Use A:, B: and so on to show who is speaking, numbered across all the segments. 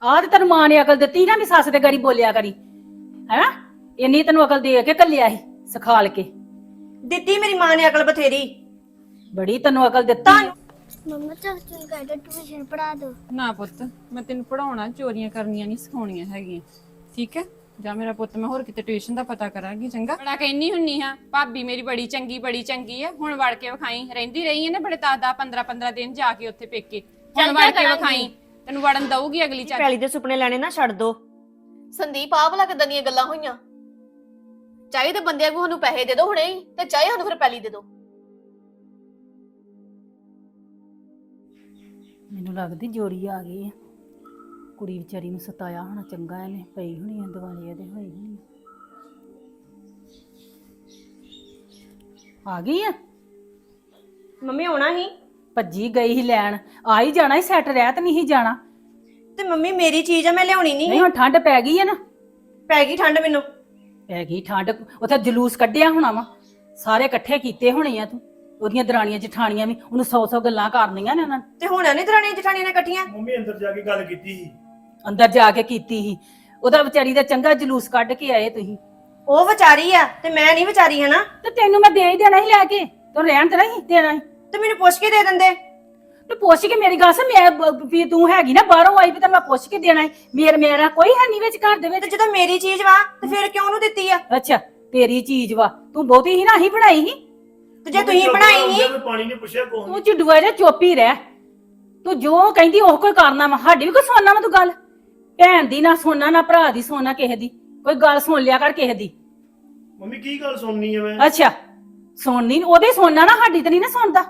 A: ਆਹ ਤੇ ਤੈਨੂੰ ਮਾਂ ਨੇ ਅਕਲ ਦਿੱਤੀ ਨਾ ਵੀ ਸੱਸ ਦੇ ਗਾੜੀ ਬੋਲਿਆ ਕਰੀ ਹੈਨਾ। ਇੰਨੀ ਤੈਨੂੰ ਅਕਲ ਦੇ ਕੇ ਘੱਲਿਆ ਸੀ ਸਿਖਾਲ ਕੇ।
B: ਦਿੱਤੀ ਮੇਰੀ ਮਾਂ ਨੇ ਅਕਲ ਬਥੇਰੀ।
A: ਬੜੀ ਤੈਨੂੰ ਅਕਲ ਦਿੱਤੀ।
C: ਮੰਮਾ ਚਾਚੂ ਕਹਿੰਦਾ ਟਿਊਸ਼ਨ ਪੜਾ ਦੋ।
D: ਨਾ ਪੁੱਤ, ਮੈਂ ਤੈਨੂੰ ਪੜਾਉਣਾ, ਚੋਰੀਆਂ ਕਰਨੀਆਂ ਨਹੀਂ ਸਿਖਾਉਣੀਆਂ ਹੈਗੀਆਂ, ਠੀਕ ਹੈ? ਜਾਂ ਮੇਰਾ ਪੁੱਤ ਮੈਂ ਹੋਰ ਕਿਤੇ ਟਿਊਸ਼ਨ ਦਾ ਪਤਾ ਕਰਾਂਗੀ, ਚੰਗਾ? ਬੜਾ ਕਹਿੰਨੀ ਹੁੰਨੀ ਹਾਂ ਭਾਬੀ ਮੇਰੀ ਬੜੀ ਚੰਗੀ ਹੈ, ਹੁਣ ਵੜ ਕੇ ਵਿਖਾਈ। ਰਹਿੰਦੀ ਰਹੀ ਹੈ ਨਾ ਬੜੇ 10 15 ਦਿਨ ਜਾ ਕੇ ਉੱਥੇ ਪੇਕੇ, ਹੁਣ ਵੜ ਕੇ ਵਿਖਾਈ। ਤੈਨੂੰ ਵੜਨ ਦਊਗੀ ਅਗਲੀ ਚਾਚੀ।
B: ਪੈਲੀ ਦੇ ਸੁਪਨੇ ਲੈਣੇ ਨਾ ਛੱਡ ਦੋ।
E: ਸੰਦੀਪ ਆਹ ਭਲਾ ਕਿੱਦਾਂ ਦੀਆਂ ਗੱਲਾਂ ਹੋਈਆਂ? ਚਾਹੇ ਤਾਂ ਬੰਦਿਆਂ ਨੂੰ ਸਾਨੂੰ ਪੈਸੇ ਦੇ ਦਿਓ ਹੁਣੇ ਹੀ, ਤੇ ਚਾਹੇ ਸਾਨੂੰ ਫਿਰ ਪੈਲੀ ਦੇ ਦਿਓ।
A: ਮੈਨੂੰ ਲੱਗਦੀ ਜੋਰੀ ਆ ਗਈ ਆ। ਕੁੜੀ ਵਿਚਾਰੀ ਨੂੰ ਸਤਾਇਆ ਹੋਣਾ ਚੰਗਾ, ਇਹਨੇ ਪਈ ਹੋਣੀ ਆ ਦਿਵਾਲੀ ਇਹਦੇ ਹੋਈ ਹੋਣੀ ਆ ਗਈ ਆ।
B: ਮੰਮੀ ਆਉਣਾ ਹੀ
A: ਭੱਜੀ ਗਈ ਸੀ ਲੈਣ, ਆ ਹੀ ਜਾਣਾ ਸੀ, ਸੈੱਟ ਰਹਿ ਤੇ ਨਹੀਂ ਸੀ ਜਾਣਾ।
B: ਤੇ ਮੰਮੀ ਮੇਰੀ ਚੀਜ਼ ਆ, ਮੈਂ ਲਿਆਉਣੀ ਨਹੀਂ।
A: ਨਹੀਂ ਹੁਣ ਠੰਡ ਪੈ ਗਈ ਹੈ ਨਾ।
B: ਪੈ ਗਈ ਠੰਡ ਮੈਨੂੰ।
A: ਪੈ ਗਈ ਠੰਡ, ਉੱਥੇ ਜਲੂਸ ਕੱਢਿਆ ਹੋਣਾ ਵਾ, ਸਾਰੇ ਇਕੱਠੇ ਕੀਤੇ ਹੋਣੇ ਆ ਤੂੰ। ਉਹਦੀਆਂ ਦਰਾਣੀਆਂ ਜਠਾਣੀਆਂ ਵੀ ਉਹਨੂੰ 100 ਗੱਲਾਂ ਕਰਨੀਆਂ ਨੇ ਉਹਨਾਂ ਨੇ।
B: ਤੇ ਹੁਣ ਨਹੀਂ ਦਰਾਣੀਆਂ ਜਠਾਣੀਆਂ ਨੇ ਇਕੱਠੀਆਂ।
F: ਮੰਮੀ ਅੰਦਰ ਜਾ ਕੇ ਗੱਲ ਕੀਤੀ ਸੀ।
A: ਅੰਦਰ ਜਾ ਕੇ ਕੀਤੀ ਸੀ, ਉਹਦਾ ਵਿਚਾਰੀ ਦਾ ਚੰਗਾ ਜਲੂਸ ਕੱਢ ਕੇ ਆਏ ਤੁਸੀਂ।
B: ਉਹ ਵਿਚਾਰੀ ਆ ਤੇ ਮੈਂ ਨਹੀਂ ਵਿਚਾਰੀ, ਹਨਾ?
A: ਤੇ ਤੈਨੂੰ ਮੈਂ ਦੇ ਹੀ ਦੇਣਾ ਸੀ ਲੈ ਕੇ, ਤੂੰ ਰਹਿਣ ਤੇ ਨਹੀਂ ਦੇਣਾ ਸੀ।
B: ਤੇ ਮੈਨੂੰ ਪੁੱਛ ਕੇ ਦੇ ਦਿੰਦੇ।
A: ਤੇ ਪੁੱਛ ਕੇ ਮੇਰੀ ਗੱਲ ਸੁਣ, ਮੈਂ ਵੀ ਤੂੰ ਹੈਗੀ ਨਾ ਬਾਹਰੋਂ ਆਈ ਵੀ ਤਾਂ ਮੈਂ ਪੁੱਛ ਕੇ ਦੇਣਾ ਸੀ। ਮੇਰਾ ਕੋਈ ਹੈ ਨਹੀਂ ਵਿੱਚ ਘਰ ਦੇ ਵਿੱਚ।
B: ਤੇ ਜਦੋਂ ਮੇਰੀ ਚੀਜ਼ ਵਾ ਤੇ ਫਿਰ ਕਿਉਂ ਉਹਨੂੰ ਦਿੱਤੀ ਆ?
A: ਅੱਛਾ ਤੇਰੀ ਚੀਜ਼ ਵਾ, ਤੂੰ ਬਹੁਤੀ ਹੀ ਨਾ ਹੀ ਬਣਾਈ ਸੀ।
B: ਤੇ ਜੇ ਤੁਸੀਂ ਬਣਾਈ ਸੀ।
F: ਪਾਣੀ ਨੇ ਪੁੱਛਿਆ ਕੋਹ
A: ਤੂੰ ਚੁੱਡੂਆ ਜਿਹਾ ਚੁੱਪ ਹੀ ਰਹਿ। ਤੂੰ ਜੋ ਕਹਿੰਦੀ ਉਹ ਕੋਈ ਕਰਨਾ ਵਾ, ਸਾਡੀ ਵੀ ਕੋਈ ਸੁਣਨਾ ਵਾ ਤੂੰ ਗੱਲ। ਭੈਣ ਦੀ ਨਾ ਸੁਣਨਾ, ਨਾ ਭਰਾ ਦੀ ਸੁਣਨਾ, ਕਿਸੇ ਦੀ ਕੋਈ ਗੱਲ ਸੁਣ ਲਿਆ ਕਰ ਕਿਸੇ ਦੀ।
F: ਮੰਮੀ ਕੀ ਗੱਲ ਸੁਣਨੀ ਹੈ ਮੈਂ?
A: ਅੱਛਾ ਸੁਣਨੀ ਉਹਦੇ ਸੁਣਨਾ ਨਾ, ਸਾਡੀ ਤੇ ਨਹੀਂ ਨਾ ਸੁਣਦਾ।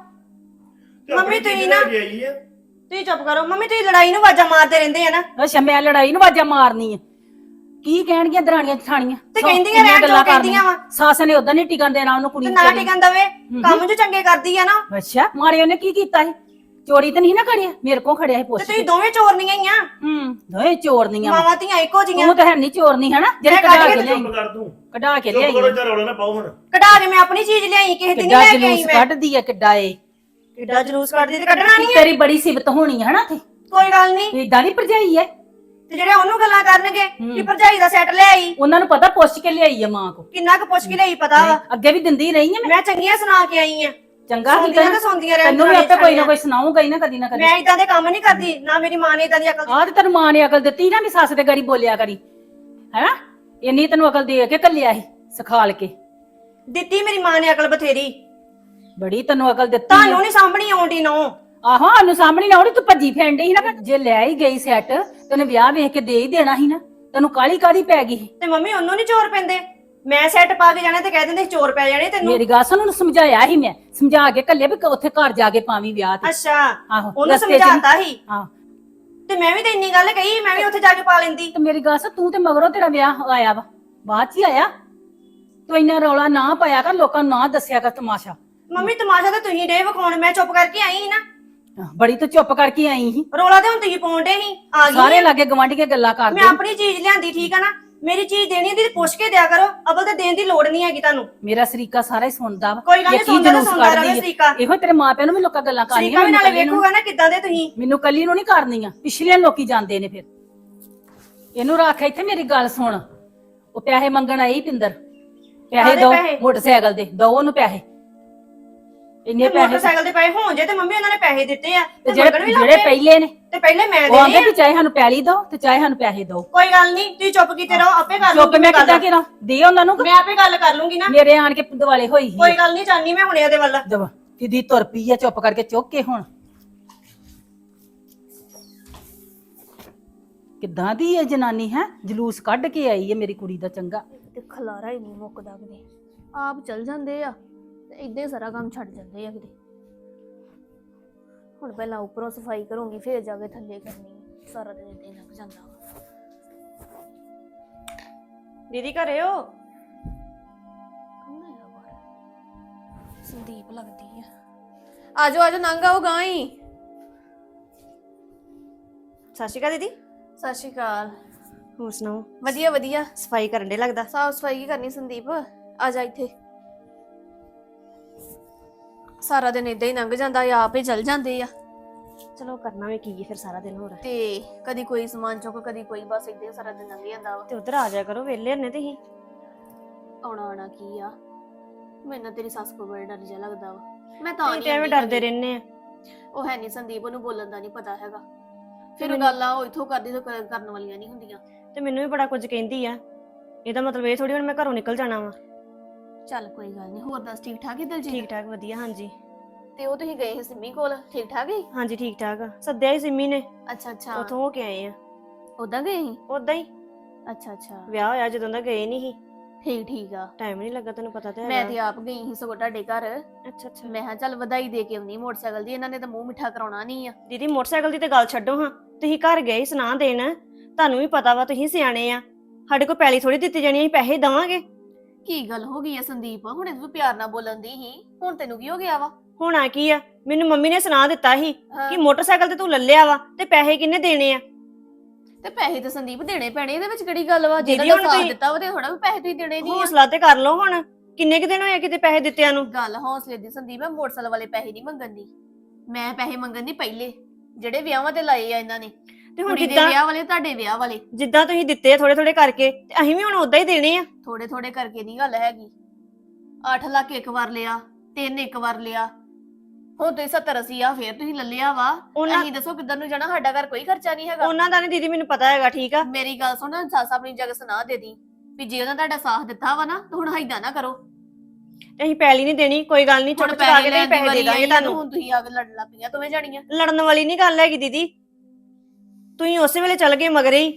F: ਤੇ ਆਪਣੀ
B: ਮੰਮੀ ਤੁਸੀਂ
F: ਚੀਜ਼
B: ਨਾ-
F: ਲੈ ਕੇ ਆਈ ਹੈ।
B: ਤੁਸੀਂ ਚੁੱਪ ਕਰੋ। ਮੰਮੀ ਤੁਸੀਂ ਲੜਾਈ ਨੂੰ ਆਵਾਜ਼ਾਂ ਮਾਰਦੇ ਰਹਿੰਦੇ ਆ ਨਾ।
A: ਅੱਛਾ ਮੈਂ ਲੜਾਈ ਨੂੰ ਵਾਜਾ ਮਾਰਨੀ ਆ? ਕੀ ਕਹਿਣਗੀਆਂ ਦਰਾਣੀਆਂ ਜਠਾਣੀਆਂ?
B: ਤੇ
A: ਸੌ
B: ਕਹਿੰਦੀਆਂ
A: ਕਿੰਨੀਆਂ
B: ਰਹਿਣ ਜੋ
A: ਗੱਲਾਂ
B: ਕਹਿੰਦੀਆਂ
A: ਕਰਨੀਆਂ। ਸੱਸ ਨੇ ਉਦਾਂ ਨਹੀਂ ਟਿਕਣ ਦੇਣਾ ਉਹਨੂੰ, ਕੁੜੀ
B: ਤੇ
A: ਨੂੰ
B: ਨਾ
A: ਵਿਚਾਰੀ
B: ਟਿਕਣ ਦਵੇ, ਕੰਮ ਜੋ ਚੰਗੇ ਕਰਦੀ ਆ ਨਾ।
A: ਨੂੰ। ਅੱਛਾ ਮਾਰੇ ਉਹਨੇ ਕੀ ਕੀਤਾ ਸੀ? ਚੋਰੀ ਤਾਂ ਨਹੀਂ ਨਾ ਕਰਿਆ? ਮੇਰੇ ਕੋਲ ਖੜਿਆ ਸੀ
B: ਤੇ
A: ਪੁੱਛ
B: ਤੁਸੀਂ
A: ਕੇ।
B: ਦੋਵੇਂ ਚੋਰਨੀਆਂ ਹੀ ਆ।
A: ਦੋਏ ਚੋਰਨੀਆਂ ਵਾਂ।
B: ਮਾਵਾਂ ਧੀਆਂ ਇੱਕੋ ਜੀਆਂ।
A: ਤੂੰ ਤਾਂ ਹੈ ਨਹੀਂ ਚੋਰਨੀ ਹਨਾ, ਜਿਹੜੇ
B: ਮੈਂ
A: ਕਢਾ
B: ਕੱਢ
A: ਕੇ
B: ਕੇ
A: ਲਿਆਈ।
F: ਚੁੱਪ ਕਰ ਤੂੰ।
A: ਕਢਾ ਕੇ
F: ਚੁੱਪ
A: ਲਿਆਈ
F: ਕਰੋ, ਇੱਧਰ ਰੌਲਾ ਨਾ ਪਾਓ ਹੁਣ।
B: ਕਢਾ ਕੇ ਮੈਂ ਆਪਣੀ ਚੀਜ਼ ਲਿਆਈ, ਕਿਸੇ ਦੀ ਨਹੀਂ
A: ਕਿੱਡਾ
B: ਲੈ ਕੇ ਆਈ
A: ਜਲੂਸ
B: ਮੈਂ।
A: ਕੱਢਦੀ ਆ, ਕਿੱਡਾ ਏ।
B: ਕਿੱਡਾ ਜਲੂਸ ਕੱਢਦੀ ਤੇ ਕੱਢਣਾ ਨਹੀਂ ਹੈ।
A: ਤੇਰੀ ਬੜੀ ਸਿਫਤ ਹੋਣੀ ਹੈ ਹਨਾ ਤੇ।
B: ਕੋਈ ਗੱਲ ਨਹੀਂ।
A: ਏਦਾਂ ਨਹੀਂ ਭਰਜਾਈ ਐ।
B: ਤੇ ਜਿਹੜੇ ਉਹਨੂੰ ਗੱਲਾਂ ਕਰਨਗੇ ਕਿ ਭਰਜਾਈ ਦਾ ਸੈੱਟ ਲੈ ਆਈ,
A: ਉਹਨਾਂ ਨੂੰ ਪਤਾ ਪੁੱਛ ਕੇ ਲਿਆਈ ਆ ਮਾਂ ਕੋ।
B: ਕਿੰਨਾ ਕੁ ਪੁੱਛ ਕੇ ਲਈ ਪਤਾ ਵਾ।
A: ਅੱਗੇ ਵੀ ਦਿੰਦੀ ਰਹੀ ਆ ਮੈਂ।
B: ਮੈਂ ਚੰਗੀਆਂ ਸੁਣਾ ਕੇ ਆਈ ਆ।
A: ਚੰਗਾ ਹੀ
B: ਸੁਣਦੀਆਂ ਤਾਂ ਸੁਣਦੀਆਂ ਰਹਿਣ
A: ਤੈਨੂੰ ਵੀ ਆਪੇ ਕੋਈ ਨਾ ਕੋਈ ਸੁਣਾਊਗਾ ਹੀ ਨਾ ਕਦੀ ਨਾ ਕਦੀ।
B: ਮੈਂ ਇਦਾਂ ਦੇ ਕੰਮ ਨਹੀਂ ਕਰਦੀ, ਨਾ ਮੇਰੀ ਮਾਂ ਨੇ ਇਦਾਂ ਦੀ ਅਕਲ
A: ਆਹ ਤੇ ਤੈਨੂੰ ਮਾਂ ਨੇ ਅਕਲ ਦਿੱਤੀ ਨਾ ਵੀ ਸੱਸ ਦੇ ਗਾੜੀ ਬੋਲਿਆ ਕਰੀ ਹੈਨਾ। ਇੰਨੀ ਤੈਨੂੰ ਅਕਲ ਦੇ ਕੇ ਘੱਲਿਆ ਸੀ ਸਿਖਾਲ ਕੇ।
B: ਦਿੱਤੀ ਮੇਰੀ ਮਾਂ ਨੇ ਅਕਲ ਬਥੇਰੀ।
A: ਬੜੀ ਤੈਨੂੰ ਅਕਲ ਦਿੱਤੀ
B: ਤੁਹਾਨੂੰ ਨਹੀਂ ਸਾਂਭਣੀ ਆਉਂਦੀ ਨੋ।
A: ਆਹੋ ਸਾਨੂੰ ਸਾਹਮਣੇ ਨਾ ਆਉਣੀ, ਤੂੰ ਭੱਜੀ ਫਿਰਨ ਡਈ ਸੀ ਨਾ। ਜੇ ਲੈ ਹੀ ਗਈ ਸੈੱਟ ਤੈਨੂੰ ਵਿਆਹ ਵੇਖ ਕੇ ਦੇ ਹੀ ਦੇਣਾ ਸੀ ਨਾ। ਤੈਨੂੰ ਕਾਲੀ ਕਾਦੀ ਪੈ ਗਈ?
B: ਤੇ ਮੰਮੀ ਉਹਨੂੰ ਨਹੀਂ ਚੋਰ ਪੈਂਦੇ। ਮੈਂ ਸੈੱਟ ਪਾ ਕੇ ਜਾਣਾ ਤੇ ਕਹਿ ਦਿੰਦੇ ਚੋਰ ਪੈ ਜਾਣੇ ਤੈਨੂੰ।
A: ਮੇਰੀ ਗੱਲ ਸੁਣ, ਉਹਨੂੰ ਸਮਝਾਇਆ ਸੀ ਮੈਂ, ਸਮਝਾ ਕੇ ਘੱਲੇ ਵੀ ਉੱਥੇ ਘਰ ਜਾ ਕੇ ਪਾਵੀਂ ਵਿਆਹ ਤੇ।
B: ਅੱਛਾ
A: ਆਹੋ,
B: ਉਹਨੂੰ
A: ਰਸਤੇ 'ਚ
B: ਸਮਝਾਤਾ ਸੀ।
A: ਹਾਂ
B: ਤੇ ਮੈਂ ਵੀ ਤਾਂ ਇੰਨੀ ਗੱਲ ਕਹੀ, ਮੈਂ ਵੀ ਉੱਥੇ ਜਾ ਕੇ ਪਾ ਲੈਂਦੀ।
A: ਤੇ ਮੇਰੀ ਗੱਲ ਸੁਣ, ਤੂੰ ਤੇ ਮਗਰੋਂ ਤੇਰਾ ਵਿਆਹ ਆਇਆ ਵਾ, ਬਾਅਦ ਚ ਹੀ ਆਇਆ। ਤੂੰ ਇੰਨਾ ਰੌਲਾ ਨਾ ਪਾਇਆ ਕਰ, ਲੋਕਾਂ ਨੂੰ ਨਾ ਦੱਸਿਆ ਕਰ ਤਮਾਸ਼ਾ।
B: ਮੰਮੀ ਤਮਾਸ਼ਾ ਤਾਂ ਤੁਸੀਂ ਡੇ ਵਿਖਾਉਣ, ਮੈਂ ਚੁੱਪ ਕਰਕੇ ਆਈ ਸੀ ਨਾ।
A: ਬੜੀ ਤੂੰ ਚੁੱਪ ਕਰਕੇ ਆਈ ਸੀ।
B: ਰੌਲਾ ਤੇ ਹੁਣ ਤੁਸੀਂ ਪਾਉਂਦੇ ਸੀ। ਆ ਗਈ
A: ਸਾਰੇ ਲਾਗੇ ਗਵਾਂਢੀਆਂ ਗੱਲਾਂ ਕਰਦੇ।
B: ਮੈਂ ਆਪਣੀ ਚੀਜ਼ ਲਿਆਂਦੀ, ਠੀਕ ਆ ਨਾ? ਮੇਰੀ ਚੀਜ਼ ਦੇਣੀ ਹੁੰਦੀ ਤੇ ਪੁੱਛ ਕੇ ਦਿਆ ਕਰੋ। ਅਬਲ ਤੇ ਦੇਣ ਦੀ ਲੋੜ ਨਹੀਂ ਹੈਗੀ ਤੁਹਾਨੂੰ।
A: ਮੇਰਾ ਸਰੀਕਾ ਸਾਰਾ ਹੀ ਸੁਣਦਾ ਵਾ।
B: ਕੋਈ ਗੱਲ ਨੀ,
A: ਇਹ ਕੀ
B: ਸੁਣਦਾ ਤਾਂ
A: ਜਲੂਸ
B: ਸੁਣਦਾ
A: ਕੱਢਦੀ
B: ਰਹੇ
A: ਆ।
B: ਸਰੀਕਾ।
A: ਇਹੋ ਤੇਰੇ ਮਾਪਿਆਂ ਨੂੰ ਵੀ ਲੋਕਾਂ ਗੱਲਾਂ
B: ਸਰੀਕਾ
A: ਕਰਨੀਆਂ।
B: ਵੀ ਨਾਲੇ ਵੇਖੂਗਾ ਨਾ ਕਿੱਦਾਂ ਦੇ ਤੁਸੀਂ।
A: ਮੈਨੂੰ ਕੱਲੀ ਨੂੰ ਨਹੀਂ ਕਰਨੀਆਂ, ਪਿਛਲੇ ਲੋਕੀ ਜਾਂਦੇ ਨੇ ਫਿਰ। ਇਹਨੂੰ ਰੱਖ ਇੱਥੇ, ਮੇਰੀ ਗੱਲ ਸੁਣ। ਉਹ ਪੈਸੇ ਮੰਗਣ ਆਈ ਪਿੰਦਰ, ਪੈਸੇ
B: ਕਾਹਦੇ
A: ਦੋ
B: ਪੈਸੇ?
A: ਮੋਟਰਸਾਈਕਲ ਦੇ, ਦੋ ਉਹਨੂੰ ਪੈਸੇ। ਇੰਨੇ ਪੈਸੇ
B: ਮੋਟਰਸਾਈਕਲ ਦੇ ਪੈਸੇ ਹੋਣ ਜੇ ਤੇ ਮੰਮੀ ਉਹਨਾਂ ਨੇ ਪੈਸੇ ਦਿੱਤੇ ਆ
A: ਤੇ
B: ਤੇ ਮੰਗਣ ਵੀ
A: ਜਿਹੜੇ
B: ਲੱਗੇ।
A: ਪਹਿਲੇ ਨੇ
B: ਤੇ ਪਹਿਲੇ ਮੈਂ
A: ਉਹ ਆਂਦੇ
B: ਦੇਣੇ
A: ਵੀ
B: ਆ।
A: ਚਾਹੇ ਸਾਨੂੰ ਪੈਲੀ ਦੋ ਤੇ ਚਾਹੇ ਸਾਨੂੰ ਪੈਸੇ ਦੋ।
B: ਕੋਈ ਗੱਲ ਨਹੀਂ, ਤੁਸੀਂ ਚੁੱਪ ਕੀਤੇ ਰਹੋ, ਆਪੇ ਕਰ
A: ਚੁੱਪ
B: ਲੂੰਗੀ
A: ਮੈਂ
B: ਗੱਲ।
A: ਕਿੱਦਾਂ ਕਰਾਂ? ਦੇ ਉਹਨਾਂ ਨੂੰ।
B: ਮੈਂ ਆਪੇ ਗੱਲ ਕਰ ਲੂੰਗੀ ਨਾ।
A: ਮੇਰੇ ਆਣ ਕੇ ਦਿਵਾਲੇ ਹੋਈ ਸੀ
B: ਕੋਈ ਗੱਲ ਨਹੀਂ, ਜਾਨੀ ਮੈਂ ਹੁਣੇ ਉਹਦੇ ਵੱਲ।
A: ਦਵਾ ਕਿਦੀ ਤੁਰ ਪਈ ਆ, ਚੁੱਪ ਕਰਕੇ ਚੁੱਕ ਕੇ। ਹੁਣ ਕਿੱਦਾਂ ਦੀ ਹੈ ਜਨਾਨੀ ਹੈ, ਜਲੂਸ ਕੱਢ ਕੇ ਆਈ ਹੈ ਮੇਰੀ ਕੁੜੀ ਦਾ। ਚੰਗਾ
C: ਤੇ ਖਲਾਰਾ ਹੀ ਨਹੀਂ ਮੁੱਕਦਾ ਕਿਤੇ। ਆਪ ਚਲ ਜਾਂਦੇ ਆ ਤੇ ਇਦਾਂ ਹੀ ਸਾਰਾ ਕੰਮ ਛੱਡ ਜਾਂਦੇ ਆ ਕਿਤੇ। ਹੁਣ ਪਹਿਲਾਂ ਉੱਪਰੋਂ ਸਫਾਈ ਕਰੂੰਗੀ, ਫਿਰ ਜਾ ਕੇ ਥੱਲੇ ਕਰਨੀ। ਸਾਰਾ ਦਿਨ ਇਦਾਂ ਹੀ ਲੰਘ ਜਾਂਦਾ ਵਾ।
B: ਦੀਦੀ ਘਰੇ ਹੋ?
C: ਕੌਣ ਆਇਆ ਬਾਹਰ? ਸੰਦੀਪ ਲੱਗਦੀ ਆ। ਆਜੋ ਆਜੋ, ਨੰਗ ਆਓ ਗਾਂ ਹੀ।
B: ਸਤਿ ਸ਼੍ਰੀ ਅਕਾਲ ਦੀਦੀ।
C: ਸਤਿ ਸ਼੍ਰੀ ਅਕਾਲ।
B: ਹੋਰ ਸੁਣਾਓ?
C: ਵਧੀਆ ਵਧੀਆ।
B: ਸਫਾਈ ਕਰਨ ਦੇ ਲੱਗਦਾ।
C: ਸਾਫ ਸਫਾਈ ਕੀ ਕਰਨੀ ਸੰਦੀਪ? ਆ ਜਾ ਇੱਥੇ। ਸਾਰਾ ਦਿਨ ਇਦਾਂ ਹੀ ਲੰਘ ਜਾਂਦਾ, ਆਪ ਹੀ ਚਲ ਜਾਂਦੇ ਆ।
B: ਚਲੋ ਕਰਨਾ ਵੀ ਕੀ ਹੈ ਫਿਰ ਸਾਰਾ ਦਿਨ ਹੋਰ।
E: ਤੇ ਕਦੀ ਕੋਈ ਸਮਾਨ ਚੁੱਕ ਕਦੀ ਕੋਈ, ਬਸ ਏਦਾਂ ਹੀ ਸਾਰਾ ਦਿਨ ਲੰਘ ਜਾਂਦਾ ਵਾ।
B: ਤੇ ਉਧਰ ਆ ਜਾਇਆ ਕਰੋ, ਵਿਹਲੇ ਨੇ ਤੁਸੀਂ।
E: ਆਉਣਾ ਕੀ ਆ, ਮੈਨੂੰ ਨਾ ਤੇਰੀ ਸੱਸ ਕੋਲ ਬੜਾ ਡਰ ਜਿਹਾ ਲੱਗਦਾ ਵਾ। ਮੈਂ ਤਾਂ
B: ਤੁਸੀਂ
E: ਨਹੀਂ
B: ਤੇ ਐਵੇਂ ਡਰਦੇ ਰਹਿੰਦੇ ਆ।
E: ਉਹ ਹੈ ਨਹੀਂ ਸੰਦੀਪ, ਉਹਨੂੰ ਬੋਲਣ ਦਾ ਨਹੀਂ ਪਤਾ ਹੈਗਾ। ਫਿਰ
B: ਮੈਨੂੰ-
E: ਗੱਲਾਂ ਉਹ ਇੱਥੋਂ ਕਰਦੀ ਤੋਂ ਕਰਨ ਵਾਲੀਆਂ ਨਹੀਂ ਹੁੰਦੀਆਂ।
B: ਤੇ ਮੈਨੂੰ ਵੀ ਬੜਾ ਕੁਝ ਕਹਿੰਦੀ ਆ। ਇਹਦਾ ਮਤਲਬ ਇਹ ਥੋੜੀ ਹੁਣ ਮੈਂ ਘਰੋਂ ਨਿਕਲ ਜਾਣਾ ਵਾ।
E: ਚੱਲ ਕੋਈ ਗੱਲ ਨਹੀਂ, ਹੋਰ ਦੱਸ ਠੀਕ ਠਾਕ ਹੀ ਦਿਲਜੀਤ?
B: ਠੀਕ ਠਾਕ ਵਧੀਆ, ਹਾਂਜੀ।
E: ਤੇ ਉਹ ਤੁਸੀਂ ਗਏ ਸੀ ਸਿੰਮੀ ਕੋਲ, ਠੀਕ ਠਾਕ ਹੀ?
B: ਹਾਂਜੀ ਠੀਕ ਠਾਕ ਆ, ਸੱਦਿਆ ਹੀ ਸਿੰਮੀ ਨੇ,
E: ਅੱਛਾ ਅੱਛਾ,
B: ਉਥੋਂ ਹੋ ਕੇ ਆਏ ਆ।
E: ਉਦਾਂ ਗਏ ਸੀ?
B: ਉਦਾਂ ਹੀ
E: ਅੱਛਾ ਅੱਛਾ,
B: ਵਿਆਹ ਹੋਇਆ ਜਦੋਂ ਦਾ ਗਏ ਨਹੀਂ ਸੀ,
E: ਠੀਕ ਠੀਕ ਆ।
B: ਟਾਈਮ ਨਹੀਂ ਲੱਗਾ, ਤੈਨੂੰ ਪਤਾ ਤੇ
E: ਮੈਂ
B: ਹੈਗਾ।
E: ਤੇ ਆਪ ਗਈ ਸੀ ਸਗੋਂ ਤੁਹਾਡੇ ਘਰ।
B: ਅੱਛਾ ਅੱਛਾ।
E: ਮੈਂ ਕਿਹਾ ਚੱਲ ਵਧਾਈ ਦੇ ਕੇ ਆਉਣੀ ਮੋਟਰਸਾਈਕਲ ਦੀ, ਇਹਨਾਂ ਨੇ ਤਾਂ ਮੂੰਹ ਮਿੱਠਾ ਕਰਾਉਣਾ ਨਹੀਂ ਆ।
B: ਦੀਦੀ ਮੋਟਰਸਾਈਕਲ ਦੀ ਤੇ ਗੱਲ ਛੱਡੋ ਹਾਂ, ਤੁਸੀਂ ਘਰ ਗਏ ਸੁਣਾ ਦੇਣ, ਤੁਹਾਨੂੰ ਵੀ ਪਤਾ ਵਾ ਤੁਸੀਂ ਸਿਆਣੇ ਆ। ਸਾਡੇ ਕੋਲ ਪੈਲੀ ਥੋੜੀ ਦਿੱਤੀ ਜਾਣੀ, ਅਸੀਂ ਪੈਸੇ ਦੇਵਾਂਗੇ।
E: ਕੀ ਗੱਲ ਹੋ ਗਈ ਆ ਸੰਦੀਪ, ਹੁਣੇ ਤੂੰ ਪਿਆਰ ਨਾਲ ਬੋਲਣ ਦੀ ਸੀ, ਹੁਣ ਤੈਨੂੰ ਕੀ ਹੋ ਗਿਆ ਵਾ?
B: ਹੋਣਾ ਕੀ ਆ, ਮੈਨੂੰ ਮੰਮੀ ਨੇ ਸੁਣਾ ਦਿੱਤਾ ਸੀ
E: ਹਾਂ,
B: ਕਿ ਮੋਟਰਸਾਈਕਲ ਤੇ ਤੂੰ ਲੱਲਿਆ ਵਾ ਤੇ ਪੈਸੇ ਕਿੰਨੇ ਦੇਣੇ ਆ।
E: ਤੇ ਪੈਸੇ ਤਾਂ ਸੰਦੀਪ ਦੇਣੇ ਪੈਣੇ, ਇਹਦੇ ਵਿੱਚ ਕਿਹੜੀ ਗੱਲ ਵਾ?
B: ਦੀਦੀ,
E: ਜਿਹਨਾਂ
B: ਹੁਣ
E: ਨੇ ਸਾਥ
B: ਤੁਸੀਂ-
E: ਦਿੱਤਾ ਵਾ ਤੇ ਥੋੜਾ ਵੀ ਪੈਸੇ ਤੁਸੀਂ ਦੇਣੇ ਨਹੀਂ ਆ।
B: ਹੌਸਲਾ ਤੇ ਕਰ ਲਓ ਹੁਣ, ਕਿੰਨੇ ਕੁ ਦਿਨ ਹੋਏ ਕਿਤੇ ਪੈਸੇ ਦਿੱਤਿਆਂ ਨੂੰ।
E: ਗੱਲ ਹੌਸਲੇ ਦੀ ਸੰਦੀਪ, ਮੈਂ ਮੋਟਰਸਾਈਕਲ ਵਾਲੇ ਪੈਸੇ ਨਹੀਂ ਮੰਗਣ ਦੀ, ਮੈਂ ਪੈਸੇ ਮੰਗਣ ਦੀ ਪਹਿਲੇ ਜਿਹੜੇ ਵਿਆਹਾਂ ਤੇ ਲਾਏ ਆ ਇਹਨਾਂ ਨੇ।
B: ਤੇ ਹੁਣ
E: ਕੁੜੀ ਦੇ
B: ਜਿੱਦਾਂ
E: ਵਿਆਹ ਵਾਲੇ, ਤੁਹਾਡੇ ਵਿਆਹ ਵਾਲੇ।
B: ਜਿੱਦਾਂ ਤੁਸੀਂ ਦਿੱਤੇ ਥੋੜੇ ਥੋੜੇ ਕਰਕੇ, ਤੇ ਅਸੀਂ ਵੀ ਹੁਣ ਉਦਾਂ ਹੀ ਦੇਣੇ ਆ।
E: ਥੋੜੇ ਥੋੜੇ ਕਰਕੇ ਨਹੀਂ ਗੱਲ ਹੈਗੀ। 8 ਲੱਖ ਇੱਕ ਵਾਰ ਲਿਆ, 3 ਇੱਕ ਵਾਰ ਲਿਆ, ਹੁਣ ਤੁਸੀਂ 70-80 ਆ ਫੇਰ ਤੁਸੀਂ ਲੈ ਲਿਆ ਵਾ।
B: ਉਹਨਾਂ
E: ਅਸੀਂ ਦੱਸੋ ਕਿੱਧਰ ਨੂੰ ਜਾਣਾ? ਸਾਡਾ ਘਰ ਕੋਈ ਖਰਚਾ ਨਹੀਂ ਹੈਗਾ।
B: ਉਹਨਾਂ ਦਾ ਨਹੀਂ ਦੀਦੀ ਮੈਨੂੰ ਪਤਾ ਹੈਗਾ, ਠੀਕ ਆ।
E: ਮੇਰੀ ਗੱਲ ਸੁਣ, ਸੱਸ ਆਪਣੀ ਜਗ੍ਹਾ ਸੁਣਾ ਦੇ ਦੀ ਵੀ ਜੇ ਉਹਨਾਂ ਤੁਹਾਡਾ ਸਾਥ ਦਿੱਤਾ ਵਾ ਨਾ, ਤਾਂ ਹੁਣ ਹਾਈਦਾ ਨਾ ਕਰੋ।
B: ਤੇ ਅਸੀਂ ਪੈਲੀ ਨਹੀਂ ਦੇਣੀ, ਕੋਈ ਗੱਲ ਨਹੀਂ,
E: ਹੁਣ
B: ਚੁੱਪ ਚੁਕਾ ਕੇ ਤੇ
E: ਲੈਣ
B: ਅਸੀਂ
E: ਦੀ
B: ਪੈਸੇ ਦੇ
E: ਵਾਰੀ
B: ਦਾਂਗੇ
E: ਆਈ ਆ,
B: ਤੁਹਾਨੂੰ।
E: ਹੁਣ ਤੁਸੀਂ ਆ ਕੇ ਲੜਨ ਲੱਗ ਪਈਆਂ ਦੋਵੇਂ ਜਾਣੀਆਂ।
B: ਲੜਨ ਵਾਲੀ ਨਹੀਂ ਗੱਲ ਹੈਗੀ ਦੀਦੀ, ਤੁਸੀਂ ਉਸੇ ਵੇਲੇ ਚੱਲ ਗਏ ਮਗਰੇ ਹੀ,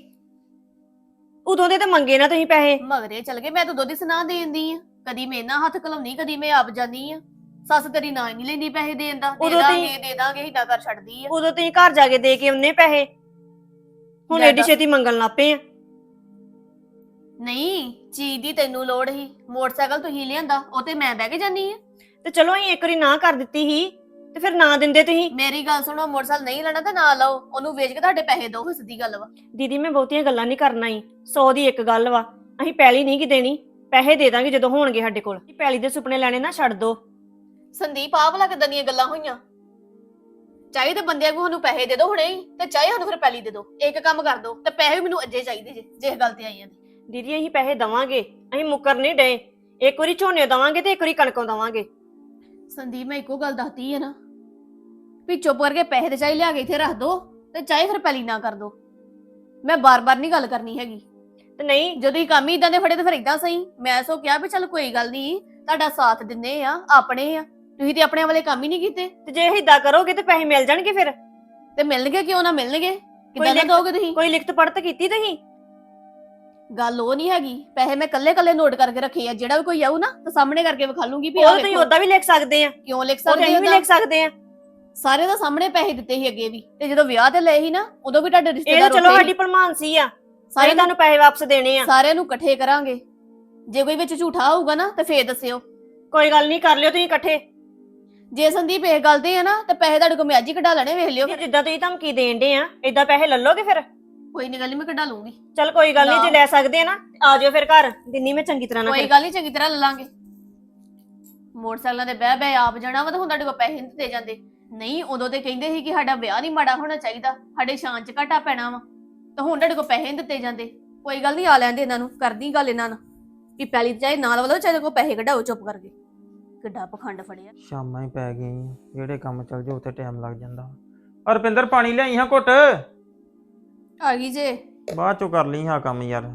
B: ਉਦੋਂ ਦੇ ਤਾਂ ਮੰਗੇ ਨਾ ਤੁਸੀਂ ਪੈਸੇ।
E: ਮਗਰੇ ਚਲ ਗਏ, ਮੈਂ ਤਾਂ ਦੁੱਧ ਦੀ ਸੁਣਾ ਦੇਂਦੀ ਆ। ਕਦੀ ਮੈਂ ਨਾ ਹੱਥ ਘਲਾਉਣੀ, ਕਦੀ ਮੈਂ ਆਪ ਜਾਂਦੀ ਆ। ਸੱਸ ਤੇਰੀ ਨਾ ਹੀ ਨਹੀਂ ਲੈਂਦੀ ਪੈਸੇ ਦੇਣ ਦਾ, ਦੇ
B: ਉਦੋਂ
E: ਦਾਂਗੇ
B: ਤੁਸੀਂ-
E: ਦੇ ਦਾਂਗੇ ਹਿੱਦਾ ਕਰ ਛੱਡਦੀ ਆ।
B: ਉਦੋਂ ਤੁਸੀਂ ਘਰ ਜਾ ਕੇ ਦੇ ਕੇ ਆਉਨੇ ਪੈਸੇ, ਹੁਣ
E: ਲੈ
B: ਏਡੀ
E: ਦੱਸ।
B: ਛੇਤੀ ਮੰਗਣ ਲੱਪੇ ਆ।
E: ਨਹੀਂ, ਚੀਜ਼ ਦੀ ਤੈਨੂੰ ਲੋੜ ਸੀ, ਮੋਟਰਸਾਈਕਲ ਤੁਸੀਂ ਲਿਆਂਦਾ, ਉਹ ਤੇ ਮੈਂ ਬਹਿ ਕੇ ਜਾਨੀ ਆ।
B: ਤੇ ਚਲੋ ਅਸੀਂ ਇੱਕ ਵਾਰੀ ਨਾ ਕਰ ਦਿੱਤੀ ਸੀ, ਤੇ ਫਿਰ ਨਾ ਦਿੰਦੇ ਤੁਸੀਂ।
E: ਮੇਰੀ ਗੱਲ ਸੁਣੋ, ਮੋਟਰਸਾਈਕਲ ਨਹੀਂ ਲੈਣਾ ਤਾਂ ਨਾ ਲਓ, ਉਹਨੂੰ ਵੇਚ ਕੇ ਤੁਹਾਡੇ ਪੈਸੇ ਦਿਓ, ਸਿੱਧੀ ਗੱਲ ਵਾ।
B: ਦੀਦੀ ਮੈਂ ਬਹੁਤੀਆਂ ਗੱਲਾਂ ਨਹੀਂ ਕਰਨਾ ਹੀ, 100 ਦੀ ਇੱਕ ਗੱਲ ਵਾ, ਅਸੀਂ ਪੈਲੀ ਨਹੀਂ ਕਿ ਦੇਣੀ, ਪੈਸੇ ਦੇ ਦਾਂਗੇ ਜਦੋਂ ਹੋਣਗੇ ਸਾਡੇ ਕੋਲ। ਪੈਲੀ ਦੇ ਸੁਪਨੇ ਲੈਣੇ ਨਾ ਛੱਡ ਦੋ।
E: ਸੰਦੀਪ ਆਹ ਵਾਲਾ ਕਿੱਦਾਂ ਦੀਆਂ ਗੱਲਾਂ ਹੋਈਆਂ? ਚਾਹੇ ਤਾਂ ਬੰਦਿਆਂ ਨੂੰ ਸਾਨੂੰ ਪੈਸੇ ਦੇ ਦਿਓ ਹੁਣੇ ਹੀ, ਤੇ ਚਾਹੇ ਸਾਨੂੰ ਫਿਰ ਪੈਲੀ ਦੇ ਦਿਓ। ਇੱਕ ਕੰਮ ਕਰ ਦਿਓ, ਤੇ ਪੈਸੇ ਵੀ ਮੈਨੂੰ ਅੱਜੇ ਚਾਹੀਦੇ ਜੇ, ਜੇ ਇਹ ਗੱਲ ਤੇ ਆਈਆਂ ਤੇ।
B: ਦੀਦੀ ਅਸੀਂ ਪੈਸੇ ਦਵਾਂਗੇ, ਅਸੀਂ ਮੁੱਕਰ ਨਹੀਂ ਡਏ। ਇੱਕ ਵਾਰੀ ਝੋਨੇ ਦਵਾਂਗੇ ਤੇ ਇੱਕ ਵਾਰੀ ਕਣਕੋਂ ਦਵਾਂਗੇ।
E: ਸੰਦੀਪ ਮੈਂ ਇੱਕੋ ਗੱਲ ਦੱਸਦੀ ਹੈ ਨਾ, ਵੀ ਚੁੱਪ ਕਰਕੇ ਪੈਸੇ ਤੇ ਚਾਹੇ ਲਿਆ ਕੇ ਇੱਥੇ ਰੱਖ ਦੋ, ਤੇ ਚਾਹੇ ਫਿਰ ਪੈਲੀ ਨਾ ਕਰ ਦੋ। ਮੈਂ ਬਾਰ-ਬਾਰ ਨਹੀਂ ਗੱਲ ਕਰਨੀ ਹੈਗੀ।
B: ਤੇ ਨਹੀਂ
E: ਜਦੋਂ ਹੀ ਕੰਮ ਹੀ ਇਦਾਂ ਦੇ ਫੜੇ ਤੇ ਫਿਰ ਇਦਾਂ ਸਹੀ। ਮੈਂ ਸੋ ਕਿਹਾ ਵੀ ਚੱਲ ਕੋਈ ਗੱਲ ਨਹੀਂ, ਤੁਹਾਡਾ ਸਾਥ ਦਿੰਨੇ ਆ, ਆਪਣੇ ਆ, ਤੁਸੀਂ ਤੇ ਆਪਣੇ ਵਾਲੇ ਕੰਮ ਹੀ ਨਹੀਂ ਕੀਤੇ।
B: ਤੇ ਜੇ ਏਦਾਂ ਕਰੋਗੇ ਤੇ ਪੈਸੇ ਮਿਲ ਜਾਣਗੇ ਫਿਰ।
E: ਤੇ ਮਿਲਣਗੇ ਕਿਉਂ ਨਾ ਮਿਲਣਗੇ, ਕਿੱਦਾਂ ਨਾ
B: ਲਿਖਤ-
E: ਦੋਗੇ ਤੁਸੀਂ?
B: ਕੋਈ ਲਿਖਤ ਪੜਤ ਕੀਤੀ ਤੁਸੀਂ?
E: ਗੱਲ ਉਹ ਨਹੀਂ ਹੈਗੀ, ਪੈਸੇ ਮੈਂ ਕੱਲੇ-ਕੱਲੇ ਨੋਟ ਕਰਕੇ ਰੱਖੇ ਆ, ਜਿਹੜਾ ਵੀ ਕੋਈ ਆਊ ਨਾ ਤਾਂ ਸਾਹਮਣੇ ਕਰਕੇ ਵਿਖਾ ਲੂੰਗੀ ਵੀ
B: ਉਹ
E: ਆਹ
B: ਤੁਸੀਂ
E: ਵੇਖੋ।
B: ਓਦਾਂ ਵੀ ਲਿਖ ਸਕਦੇ ਆ,
E: ਕਿਉਂ ਲਿਖ
B: ਉਹ
E: ਸਕਦੇ
B: ਅਸੀਂ ਵੀ
E: ਹੋ?
B: ਲਿਖ ਸਕਦੇ ਆ।
E: ਸਾਰੇ ਦਾ ਸਾਹਮਣੇ ਪੈਸੇ ਦਿੱਤੇ ਸੀ ਅੱਗੇ ਵੀ, ਤੇ ਜਦੋਂ ਵਿਆਹ ਤੇ ਲਏ ਸੀ ਨਾ, ਉਦੋਂ ਵੀ ਤੁਹਾਡੇ
B: ਇਹ ਤਾਂ
E: ਰਿਸ਼ਤੇਦਾਰ
B: ਚਲੋ
E: ਉੱਥੇ
B: ਸਾਡੀ
E: ਸੀ।
B: ਭਲਮਾਨਸੀ ਆ, ਸਾਰੇ
E: ਸਾਰੇ
B: ਤੁਹਾਨੂੰ ਪੈਸੇ ਵਾਪਸ ਦੇਣੇ ਆ।
E: ਸਾਰਿਆਂ ਨੂੰ ਇਕੱਠੇ ਕਰਾਂਗੇ, ਜੇ ਕੋਈ ਵਿੱਚ ਝੂਠਾ ਹੋਊਗਾ ਨਾ ਤਾਂ ਫੇਰ ਦੱਸਿਓ।
B: ਕੋਈ ਗੱਲ ਨਹੀਂ, ਕਰ ਲਿਓ ਤੁਸੀਂ ਇਕੱਠੇ।
E: ਜੇ ਸੰਦੀਪ ਇਹ ਗੱਲ ਤੇ ਆ ਨਾ, ਤੇ ਪੈਸੇ ਤੁਹਾਡੇ ਕੋਲ ਮੈਂ ਅੱਜ ਹੀ ਕਢਾ ਲੈਣੇ, ਵੇਖ ਲਿਓ।
B: ਜਿੱਦਾਂ ਤੁਸੀਂ ਧਮਕੀ ਦੇਣ ਦੇ ਆ, ਏਦਾਂ ਪੈਸੇ ਲੈ ਲੋਗੇ ਫਿਰ?
E: ਕੋਈ ਨਹੀਂ ਗੱਲ ਨੀ, ਮੈਂ ਕਢਾ ਲੂੰਗੀ।
B: ਚਲ ਕੋਈ ਗੱਲ ਨਹੀਂ,
E: ਨਾ।
B: ਜੇ ਲੈ ਸਕਦੇ ਆ ਨਾ ਆ ਜਾਓ ਫਿਰ ਘਰ, ਦਿੰਨੀ ਮੈਂ ਚੰਗੀ ਤਰ੍ਹਾਂ ਨਾਲ।
E: ਕੋਈ ਗੱਲ ਨਹੀਂ, ਚੰਗੀ ਤਰ੍ਹਾਂ ਲੈ ਲਾਂਗੇ। ਮੋਟਰਸਾਈਕਲਾਂ ਤੇ ਬਹਿ ਬਹਿ ਆਪ ਜਾਣਾ ਵਾ, ਤਾਂ ਹੁਣ ਤੁਹਾਡੇ ਕੋਲ ਪੈਸੇ ਨਹੀਂ ਦਿੱਤੇ ਜਾਂਦੇ। ਨਹੀਂ, ਉਦੋਂ ਤੇ ਕਹਿੰਦੇ ਸੀ ਕਿ ਸਾਡਾ ਵਿਆਹ ਨਹੀਂ ਮਾੜਾ ਹੋਣਾ ਚਾਹੀਦਾ, ਸਾਡੇ ਸ਼ਾਨ ਚ ਘਾਟਾ ਪੈਣਾ ਵਾ, ਤਾਂ ਹੁਣ ਤੁਹਾਡੇ ਕੋਲ ਪੈਸੇ ਨਹੀਂ ਦਿੱਤੇ ਜਾਂਦੇ। ਕੋਈ ਗੱਲ ਨਹੀਂ, ਆ ਲੈਂਦੇ ਇਹਨਾਂ ਨੂੰ, ਕਰਦੀ ਗੱਲ ਇਹਨਾਂ ਨਾਲ ਵੀ ਪੈਲੀ ਚਾਹੇ ਨਾਲ ਵਾਲੋ, ਚਾਹੇ ਕੋਲ ਪੈਸੇ ਕਢਾਓ ਚੁੱਪ ਕਰਕੇ। ਕਿੱਡਾ ਪਖੰਡ ਫੜਿਆ।
G: ਸ਼ਾਮਾਂ ਹੀ ਪੈ ਗਈਆਂ ਈ, ਜਿਹੜੇ ਕੰਮ ਚੱਲ ਜਾਓ ਉੱਥੇ ਟਾਈਮ ਲੱਗ ਜਾਂਦਾ। ਰੁਪਿੰਦਰ ਪਾਣੀ ਲਿਆਈ ਹਾਂ ਘੁੱਟ,
E: ਆ ਗਈ ਜੇ।
G: ਬਾਅਦ ਚੋਂ ਕਰ ਲਈ ਹਾਂ ਕੰਮ ਯਾਰ।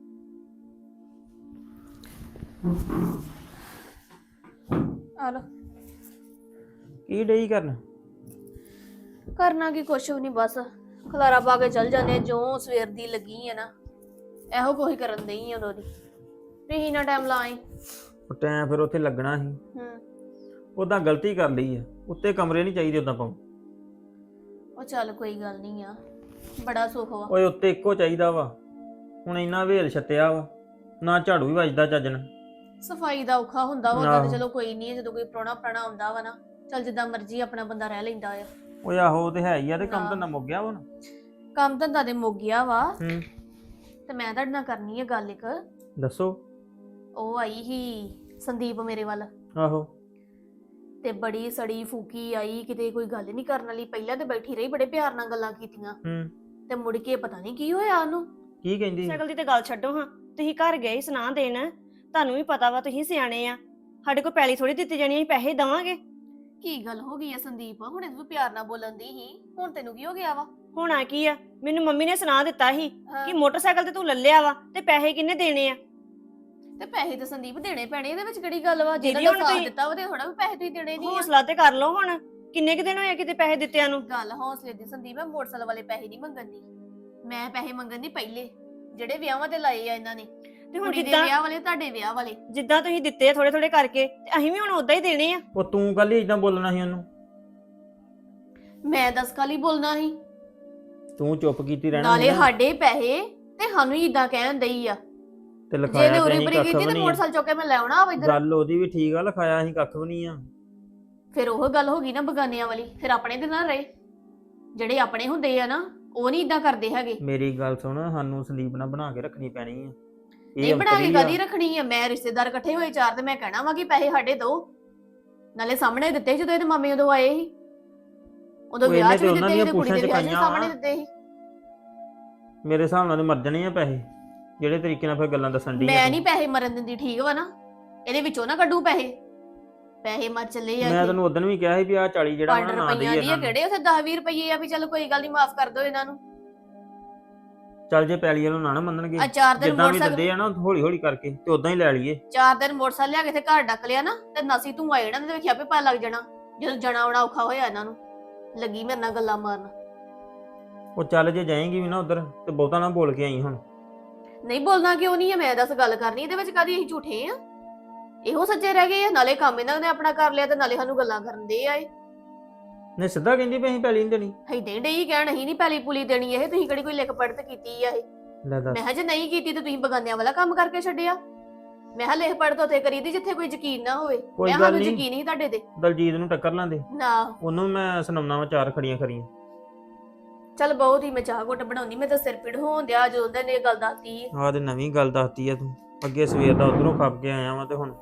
E: ਆ ਲੋ।
G: ਕੀ ਡਈ ਕਰਨ?
E: ਕਰਨਾ ਕੀ, ਕੁਛ ਵੀ ਨਹੀਂ, ਬਸ ਖਲਾਰਾ ਪਾ ਕੇ ਚੱਲ ਜਾਂਦੇ, ਜੋ ਸਵੇਰ ਦੀ ਲੱਗੀ ਹੈ ਨਾ, ਇਹੋ ਕੋਈ ਕਰਨ ਦਈ ਆ ਉਦੋਂ ਦੀ। ਤੁਸੀਂ ਨਾ ਟਾਈਮ ਲਾਏ।
G: ਟਾਈਮ ਫਿਰ ਉੱਥੇ ਲੱਗਣਾ ਸੀ, ਉਦਾਂ ਗਲਤੀ ਕਰ ਲਈ ਆ, ਉੱਤੇ ਕਮਰੇ ਨਹੀਂ ਚਾਹੀਦੇ ਉਦਾਂ ਪਾਉ।
E: ਉਹ ਚੱਲ ਕੋਈ ਗੱਲ ਨਹੀਂ ਆ, ਬੜਾ ਸੁੱਖ ਵਾ।
G: ਓਏ ਉੱਤੇ ਇੱਕੋ ਚਾਹੀਦਾ ਵਾ, ਹੁਣ ਇੰਨਾ ਵੇਲ ਛੱਤਿਆ ਵਾ, ਨਾ ਝਾੜੂ ਵੀ ਵੱਜਦਾ ਚੱਜ ਨਾਲ।
E: ਸਫਾਈ ਦਾ ਔਖਾ ਹੁੰਦਾ ਵਾ, ਉਦਾਂ
G: ਆਹੋ।
E: ਤੇ ਚਲੋ ਕੋਈ ਨਹੀਂ, ਜਦੋਂ ਕੋਈ ਪ੍ਰਾਹੁਣਾ ਆਉਂਦਾ ਵਾ ਨਾ, ਚੱਲ ਜਿੱਦਾਂ ਮਰਜ਼ੀ ਆਪਣਾ ਬੰਦਾ ਰਹਿ ਲੈਂਦਾ ਆ।
G: ਓਏ ਆਹੋ ਉਹ ਤੇ ਹੈ ਹੀ ਆ, ਤੇ ਕੰਮ
E: ਨਾ।
G: ਧੰਦਾ ਮੁੱਕ ਗਿਆ ਵਾ ਹੁਣ।
E: ਕੰਮ ਧੰਦਾ ਤੇ ਮੁੱਕ ਗਿਆ ਵਾ,
G: ਹੂੰ,
E: ਤੇ ਮੈਂ ਤੁਹਾਡੇ ਨਾਲ ਕਰਨੀ ਹੈ ਗੱਲ ਇੱਕ।
G: ਦੱਸੋ।
E: ਉਹ ਆਈ ਸੀ ਸੰਦੀਪ ਮੇਰੇ ਵੱਲ,
G: ਆਹੋ।
E: ਤੇ ਬੜੀ ਸੜੀ ਫੂਕੀ ਆਈ, ਕਿਤੇ ਕੋਈ ਗੱਲ ਨਹੀਂ ਕਰਨ ਵਾਲੀ। ਪਹਿਲਾਂ ਤੇ ਬੈਠੀ ਰਹੀ, ਬੜੇ ਪਿਆਰ ਨਾਲ ਗੱਲਾਂ ਕੀਤੀਆਂ,
G: ਹੂੰ
E: ਤੇ ਮੁੜ ਕੇ ਪਤਾ ਨਹੀਂ ਕੀ ਹੋਇਆ ਉਹਨੂੰ।
G: ਕੀ ਕਹਿੰਦੀ?
B: ਸਾਈਕਲ ਦੀ ਤੇ ਗੱਲ ਛੱਡੋ ਹਾਂ, ਤੁਸੀਂ ਘਰ ਗਏ ਸੁਣਾ ਦੇਣ, ਤੁਹਾਨੂੰ ਵੀ ਪਤਾ ਵਾ ਤੁਸੀਂ ਸਿਆਣੇ ਆ, ਸਾਡੇ ਕੋਲ ਪੈਲੀ ਥੋੜੀ ਦਿੱਤੀ ਜਾਣੀ, ਅਸੀਂ ਪੈਸੇ ਦੇਵਾਂਗੇ।
E: ਕੀ ਗੱਲ ਹੋ ਗਈ ਹੈ ਸੰਦੀਪ? ਹੁਣ ਇਹ ਤੂੰ ਪਿਆਰ ਨਾਲ ਬੋਲਣ ਦੀ ਹੀ, ਹੁਣ ਤੈਨੂੰ ਕੀ ਹੋ ਗਿਆ ਵਾ?
B: ਹੋਣਾ ਕੀ ਆ, ਮੈਨੂੰ ਮੰਮੀ ਨੇ ਸੁਣਾ ਦਿੱਤਾ ਸੀ
E: ਹਾਂ,
B: ਕਿ ਮੋਟਰਸਾਈਕਲ ਤੇ ਤੂੰ ਲੱਲਿਆ ਵਾ ਤੇ ਪੈਸੇ ਕਿੰਨੇ ਦੇਣੇ ਆ।
E: ਤੇ ਪੈਸੇ ਤਾਂ ਸੰਦੀਪ ਦੇਣੇ ਪੈਣੇ, ਇਹਦੇ ਵਿੱਚ ਕਿਹੜੀ ਗੱਲ ਵਾ? ਜਿਹਨਾਂ
B: ਦੀਦੀ,
E: ਨੇ
B: ਹੁਣ
E: ਸਾਥ
B: ਤੁਸੀਂ-
E: ਦਿੱਤਾ ਵਾ ਤੇ ਥੋੜਾ ਵੀ ਪੈਸੇ ਤੁਸੀਂ ਦੇਣੇ ਨਹੀਂ ਆ।
B: ਹੌਸਲਾ ਤੇ ਕਰ ਲਓ ਹੁਣ, ਕਿੰਨੇ ਕੁ ਦਿਨ ਹੋਏ ਕਿਤੇ ਪੈਸੇ ਦਿੱਤਿਆਂ ਨੂੰ।
E: ਗੱਲ ਹੌਸਲੇ ਦੀ ਸੰਦੀਪ, ਮੈਂ ਮੋਟਰਸਾਈਕਲ ਵਾਲੇ ਪੈਸੇ ਨਹੀਂ ਮੰਗਣ ਦੀ, ਮੈਂ ਪੈਸੇ ਮੰਗਣ ਦੀ ਪਹਿਲੇ ਜਿਹੜੇ ਵਿਆਹਾਂ ਤੇ ਲਾਏ ਆ ਇਹਨਾਂ ਨੇ,
B: ਤੇ ਹੁਣ
E: ਕੁੜੀ ਦੇ
B: ਜਿੱਦਾਂ
E: ਵਿਆਹ ਵਾਲੇ, ਤੁਹਾਡੇ ਵਿਆਹ ਵਾਲੇ।
B: ਜਿੱਦਾਂ ਤੁਸੀਂ ਦਿੱਤੇ ਥੋੜੇ ਥੋੜੇ ਕਰਕੇ, ਤੇ ਅਸੀਂ ਵੀ ਹੁਣ ਉਦਾਂ ਹੀ ਦੇਣੇ ਆ।
G: ਉਹ ਤੂੰ ਕੱਲ ਹੀ ਇਦਾਂ ਬੋਲਣਾ ਸੀ ਉਹਨੂੰ,
E: ਮੈਂ ਦੱਸ ਕਾਲੀ ਬੋਲਣਾ ਸੀ?
G: ਤੂੰ ਚੁੱਪ ਕੀਤੀ ਰਹਿਣਾ
E: ਨਾਲੇ
G: ਸੀ ਨਾ,
E: ਸਾਡੇ ਪੈਸੇ ਤੇ ਸਾਨੂੰ ਹੀ ਇਦਾਂ ਕਹਿਣ ਦਈ ਆ।
G: ਤੇ
E: ਜੇ ਨੇ
G: ਲਿਖਾਇਆ ਤੇ
E: ਉਰੀ
G: ਅਸੀਂ
E: ਬਰੀ
G: ਕੱਖ
E: ਕੀਤੀ
G: ਵੀ
E: ਤੇ
G: ਨਹੀਂ।
E: ਮੋਟਰਸਾਈਕਲ ਚੁੱਕ ਕੇ ਮੈਂ ਲੈ ਆਉਣਾ ਵਾ ਇੱਧਰ।
G: ਗੱਲ ਉਹਦੀ ਵੀ ਠੀਕ ਆ, ਲਿਖਾਇਆ ਅਸੀਂ ਕੱਖ ਵੀ ਨਹੀਂ ਆ।
E: ਫਿਰ ਉਹ ਗੱਲ ਹੋ ਗਈ ਨਾ ਬਗਾਨਿਆਂ ਵਾਲੀ, ਫਿਰ ਆਪਣੇ ਦੇ ਨਾਲ ਰਹੇ। ਜਿਹੜੇ ਆਪਣੇ ਹੁੰਦੇ ਆ ਨਾ, ਉਹ ਨਹੀਂ ਇਦਾਂ ਕਰਦੇ ਹੈਗੇ।
G: ਮੇਰੀ ਗੱਲ ਸੁਣ, ਸਾਨੂੰ ਸੰਦੀਪ ਨਾਲ ਬਣਾ ਕੇ ਰੱਖਣੀ ਪੈਣੀ ਆ।
E: ਨਹੀਂ ਬਣਾ ਕੇ
G: ਅੰਤਰੀ ਆ।
E: ਕਦੀ ਰੱਖਣੀ ਆ? ਮੈਂ ਰਿਸ਼ਤੇਦਾਰ ਇਕੱਠੇ ਹੋਏ ਚਾਰ, ਤੇ ਮੈਂ ਕਹਿਣਾ ਵਾ ਕਿ ਪੈਸੇ ਸਾਡੇ ਦੋ। ਨਾਲੇ ਸਾਹਮਣੇ ਦਿੱਤੇ ਜਦੋਂ ਇਹਦੇ ਮਾਮੇ ਉਦੋਂ ਆਏ ਸੀ, ਉਦੋਂ
G: ਉਹ
E: ਵਿਆਹ
G: ਇਹਨੇ
E: ਚ
G: ਤੇ
E: ਵੀ
G: ਉਹਨਾਂ
E: ਦਿੱਤੇ ਸੀ,
G: ਦੀਆਂ
E: ਤੇ ਕੁੜੀ ਦੇ
G: ਪੁੱਛਾਂ
E: ਵਿਆਹ 'ਚ
G: ਚੁਕਾਈਆਂ
E: ਸਾਹਮਣੇ
G: ਵਾ।
E: ਦਿੱਤੇ ਸੀ।
G: ਮੇਰੇ ਹਿਸਾਬ ਨਾਲ ਤੇ ਮਰ ਜਾਣੇ ਆ ਪੈਸੇ, ਜਿਹੜੇ ਤਰੀਕੇ ਨਾਲ ਫਿਰ ਗੱਲਾਂ ਦੱਸਣ ਦੀ।
E: ਮੈਂ ਨਹੀਂ ਪੈਸੇ ਮਰਨ ਦਿੰਦੀ, ਠੀਕ ਵਾ ਨਾ? ਇਹਦੇ ਵਿੱਚੋਂ ਨਾ ਕੱਢੂ ਪੈਸੇ, ਪੈਸੇ ਮਰ ਚੱਲੇ ਆ।
G: ਮੈਂ ਤੈਨੂੰ ਉਦੋਂ ਵੀ ਕਿਹਾ ਸੀ ਵੀ ਆ 40 ਜਿਹੜਾ
E: 5
G: ਨਾ
E: ਰੁਪਈਆਂ
G: ਦੇਈਏ
E: ਦੀ ਆ, ਕਿਹੜੇ ਉਥੇ 10-20 ਰੁਪਈਏ ਆ ਵੀ ਚਲ ਕੋਈ ਗੱਲ ਨਹੀਂ, ਮਾਫ ਕਰ ਦਿਓ ਇਹਨਾਂ ਨੂੰ।
G: ਚੱਲ ਜੇ ਪੈਲੀ ਵਾਲੋਂ ਨਾ ਮੰਨਣਗੇ,
E: ਆ 4 ਦਿਨ
G: ਜਿੱਦਾਂ ਵੀ
E: ਮੋਟਰਸਾਈਕਲ,
G: ਦਿੰਦੇ ਆ ਨਾ ਹੌਲੀ ਹੌਲੀ ਕਰਕੇ ਤੇ ਉਦਾਂ ਹੀ ਲੈ ਲਈਏ।
E: 4 ਦਿਨ ਮੋਟਰਸਾਈਕਲ ਲਿਆ ਕੇ ਤੇ ਘਰ ਡੱਕ ਲਿਆ ਨਾ, ਤੇ ਨਸੀ ਤੂੰ ਆ ਜਾਣਾ, ਤੇ ਵੇਖਿਆ ਵੀ ਪਾ ਲੱਗ ਜਾਣਾ ਜਦੋਂ ਜਣਾ ਆਉਣਾ ਔਖਾ ਹੋਇਆ ਇਹਨਾਂ ਨੂੰ। ਲੱਗੀ ਮੇਰੇ ਨਾਲ ਗੱਲਾਂ ਮਾਰਨ।
G: ਉਹ ਚੱਲ ਜੇ ਜਾਏਂਗੀ ਵੀ ਨਾ ਉਧਰ ਤੇ ਬਹੁਤਾ ਨਾ ਬੋਲ ਕੇ ਆਈ ਹੁਣ।
E: ਨਹੀਂ ਬੋਲਣਾ ਕਿਉਂ ਨਹੀਂ ਹੈ? ਮੈਂ ਦੱਸ ਗੱਲ ਕਰਨੀ ਇਹਦੇ ਵਿੱਚ ਕਾਹਦੀ? ਅਸੀਂ ਝੂਠੇ ਆ? ਇਹੋ ਸੱਚੇ ਰਹਿ ਗਏ ਆ? ਨਾਲੇ ਕੰਮ ਇਹਨਾਂ ਨੇ ਆਪਣਾ ਕਰ ਲਿਆ, ਤੇ ਨਾਲੇ ਸਾਨੂੰ ਗੱਲਾਂ ਕਰਨ ਦੇ ਆਏ।
G: ਨੇ ਸਿੱਧਾ ਕਹਿੰਦੀ ਵੀ ਅਸੀਂ ਪੈਲੀ ਨਹੀਂ ਦੇਣੀ।
E: ਏਦਾਂ ਡਈ ਕਹਿਣ ਅਸੀਂ ਨਹੀਂ ਪੈਲੀ ਪੁਲੀ ਦੇਣੀ, ਇਹ ਤੁਸੀਂ ਕਿਹੜੀ ਕੋਈ ਲਿਖ ਪੜਤ ਕੀਤੀ ਆ? ਇਹ
G: ਲੈ ਦੱਸ,
E: ਮੈਂ ਕਿਹਾ ਜੇ ਨਹੀਂ ਕੀਤੀ ਤੇ ਤੁਸੀਂ ਬਗਾਨਿਆਂ ਵਾਲਾ ਕੰਮ ਕਰਕੇ ਛੱਡਿਆ। ਮੈਂ ਕਿਹਾ ਲਿਖ ਪੜਤ ਉੱਥੇ ਕਰੀਦੀ ਜਿੱਥੇ ਕੋਈ ਯਕੀਨ ਨਾ ਹੋਵੇ।
G: ਕੋਈ
E: ਮੈਂ
G: ਗੱਲ
E: ਸਾਨੂੰ
G: ਨਹੀਂ।
E: ਯਕੀਨ ਹੀ ਤੁਹਾਡੇ ਤੇ
G: ਦਲਜੀਤ ਨੂੰ ਟੱਕਰ ਲਾਂਦੇ,
E: ਨਾ।
G: ਉਹਨੂੰ ਮੈਂ ਸੁਣਾਉਣਾ ਵਾ 4 ਖੜੀਆਂ ਖਰੀਆਂ।
E: ਚੱਲ ਬਹੁਤ ਹੀ, ਮੈਂ ਚਾਹ ਘੁੱਟ ਬਣਾਉਣੀ, ਮੈਂ ਤਾਂ ਸਿਰ ਪੀੜ ਹੋਣ ਦਿਆ ਜਦੋਂ ਉਹਨੇ ਇਹ ਗੱਲ ਦੱਸਤੀ।
G: ਆਹ ਤੇ ਨਵੀਂ ਗੱਲ ਦੱਸਤੀ ਆ ਤੂੰ। ਅੱਗੇ ਸਵੇਰ ਦਾ ਉਧਰੋਂ ਖੱਪ ਕੇ ਆਇਆ ਵਾਂ ਤੇ ਹੁਣ